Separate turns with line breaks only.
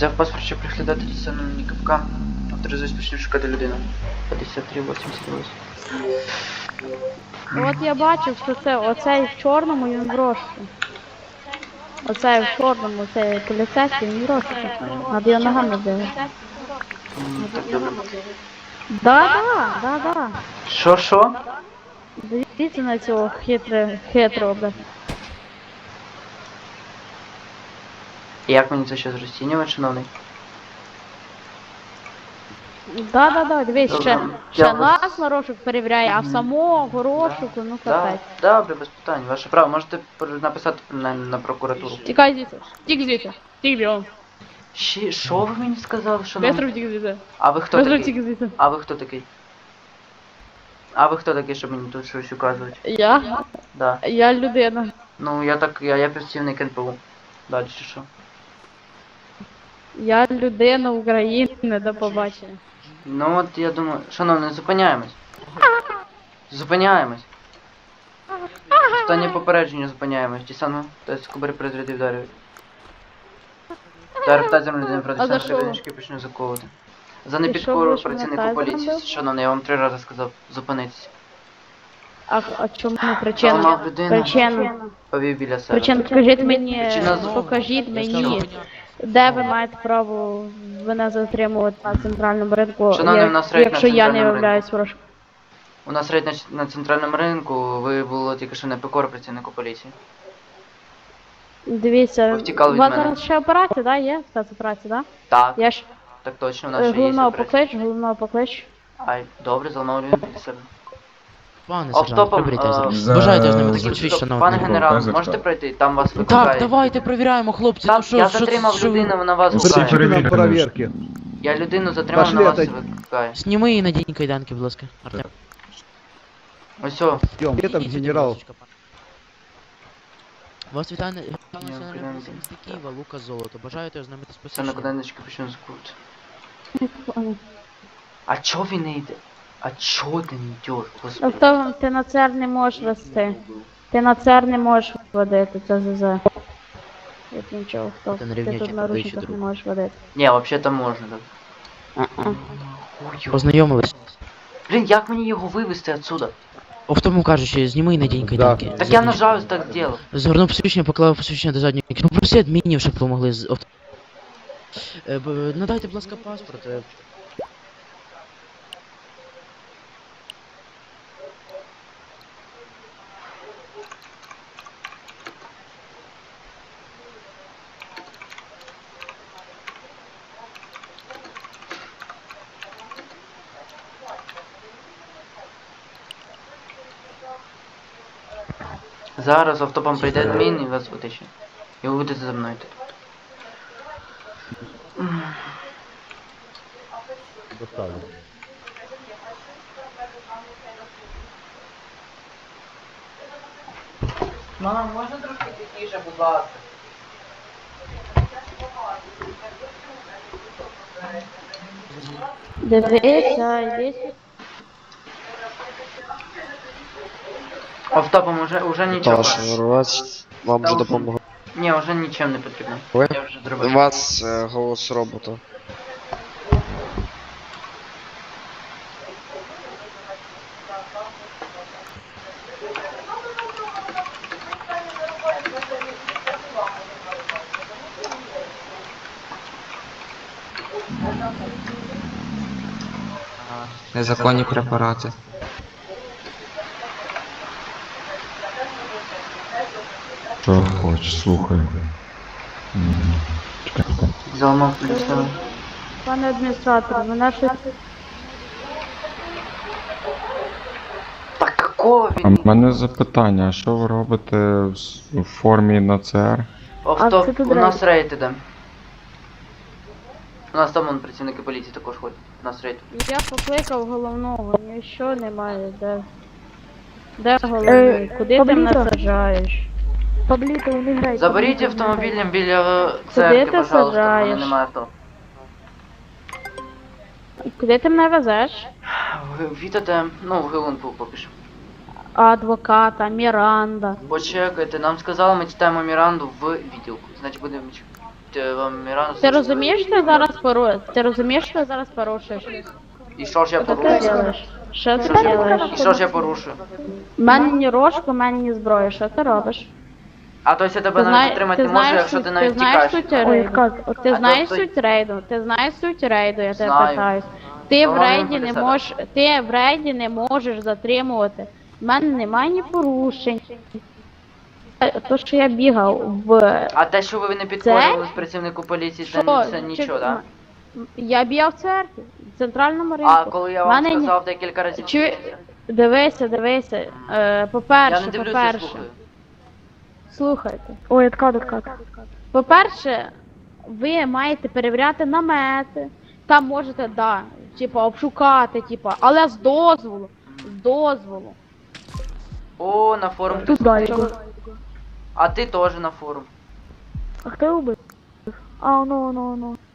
Взяв паспорт, щоб приглядати дістану КПК. Авторизуюсь, почну шукати людину. 5388.
От я бачив, що це оцей в чорному, він в розшуку. Оцей в чорному, цей поліцейський, він в розшуку. Надо його ногами бігати.
Так, добре.
Да.
Що?
Дивіться на цього хитрого, бля.
Як мені це щось розцінювати, шановний?
Да, дивись, ще
Я
нас на розшук перевіряє, а самого розшуку, ну капець.
Добре, без питань, ваше право. Можете написати на прокуратуру.
Тікай звідси, тік звідси, тік бігом.
Що ви мені сказали, шановний?
Бистро втік звідси.
А ви хто
Бистро
такий?
втік звідси.
А ви хто такий? Щоб мені тут щось указувати?
Я?
Да.
Я людина.
Ну, я працівник НПУ. Далі що?
Я людина України, до побачення.
Ну от я думаю, шановний, зупиняємось. Зупиняємось. Останнє попередження зупиняємось. Ті саме, тобто кубери перезаряди вдарюють. Та рептазером людини
А за
проти
що?
кабіночки почну заковувати. За
Ти
непідкору
що, будеш
працівнику
мене
поліції.
тазером бив?
Шановний, я вам 3 рази сказав зупинитися.
А чому причина?
Зламав людину,
Причина.
повів біля себе.
Причина, покажіть мені,
Причина
покажіть мені, де ви маєте право мене затримувати на центральному ринку,
Шановний, у нас рейд на
якщо я не
центральному
являюсь ворожком.
У нас рейд на центральному ринку, ви було тільки що непокора працівнику поліції.
Дивіться,
Ви втікали
у
від
вас
мене.
зараз ще операція, да, є? Спецоперація, да?
Так,
Я ж
так точно, у нас ще є
головного
операція.
поклич.
Ай, добре, зламав людину біля себе.
Пане сержант,
Офтопом,
приберіть. Бажаєте з ними
Таким
зустріч,
стоп,
шановний.
Пане генерал,
Казак.
можете пройти? Там вас
Так,
викликають.
давайте перевіряємо, хлопці.
Так,
Ну що,
я
що,
затримав
що ви-
людину, вона вас
Пошли,
викликає.
перевірка,
Нам проверки.
Я людину затримав,
Пошли,
вона вас
отойди.
викликає.
Сніми і надінь кайданки, будь ласка. Артем.
Ось о.
Идем. Где там
Ідіть,
генерал?
будь ласка, пане. Вас вітає національний
кайданки.
поліція міста Києва, Лука Золото. Бажаєте ознайомитись з
Це на
посвідченням?
куденечки почну закрути. А чо він не йде? А чо ти не йдеш, господи?
Автогон, ти на ЦР не можеш вести. Ти на ЦР не можеш водити, це ЗЗ. Як нічого, хто?
Ти на
Ти
рівнячі
тут на
подвищуй
ручниках не
друг.
можеш водити.
Ні, взагалі-то можна, так. Ой,
Познайомились.
блін, як мені його вивезти отсюда?
В тому кажучи, зніми і надінь кайданки.
Так я нажав, так зробив.
Згорнув посвідчення, поклав посвідчення до задньої кишені. Попроси адмінів, щоб допомогли з надайте, будь ласка, паспорт.
Зараз автопом прийде адмін і вас витащить. І ви будете за мною тут. Мама, можна трошки тихіше, будь ласка?
Дивися, йди сюди.
Автопом уже нічого.
Таш, вас вам вже допомогли.
Ні, вже нічим не потрібно.
Ви?
Я вже
У
зробив.
вас голос робота.
Незаконні препарати.
Що хочеш, слухай.
Заламав біля себе.
Пане адміністратор, мене щось...
Так какого
А
він?
в мене запитання, а що ви робите в формі на ЦР?
Автоп,
це тут
у нас рейд іде. У нас там вон працівники поліції також ходять. У нас рейд.
Я покликав головного, нічого немає, де... Де головний? Куди ти мене саджаєш? Пабліто, не грай.
Заберіть автомобілем біля
Куди
церкви,
ти
пожалуйста, в мене
саджаєш?
немає авто.
Куди ти мене везеш?
Вітате, ну, в Гилунку поки що.
Адвоката, Міранда.
Почекайте, нам сказали, ми читаємо Міранду в відділку. Значить будемо чекати. вам Мірана...
Ти розумієш, що ти зараз Ти розумієш, що ти зараз порушуєш?
І що ж я
Що ти
порушую?
робиш? Що ти робиш?
І що ж я порушую?
У мене ні рожку, у мене ні зброї. Що ти робиш?
А то я тебе навіть затримати не можу, якщо ти навіть
знаєш
тікаєш.
суть рейду? Ти
А
знаєш
то-
суть рейду? Ти знаєш суть рейду, я тебе
Знаю.
питаюсь. Ти в
Головне
рейді не
буде
можеш, ти в рейді не можеш затримувати. У мене немає ні порушень. То, що я бігав в...
А те, що ви не підходили з працівнику поліції, це нічого, так?
Я бігав в церкві, в центральному ринку.
А коли я вам
Мене ні-
сказав декілька разів...
Дивися.
Я
По-перше,
не дивлюся,
по-перше.
слухаю.
Слухайте. Ой, откат. По-перше, ви маєте перевіряти намети. Там можете, типа, обшукати, типа, але з дозволу. З дозволу.
О, на форум.
Щоб-
А ти теж на форум.
А хто убив? А, ну.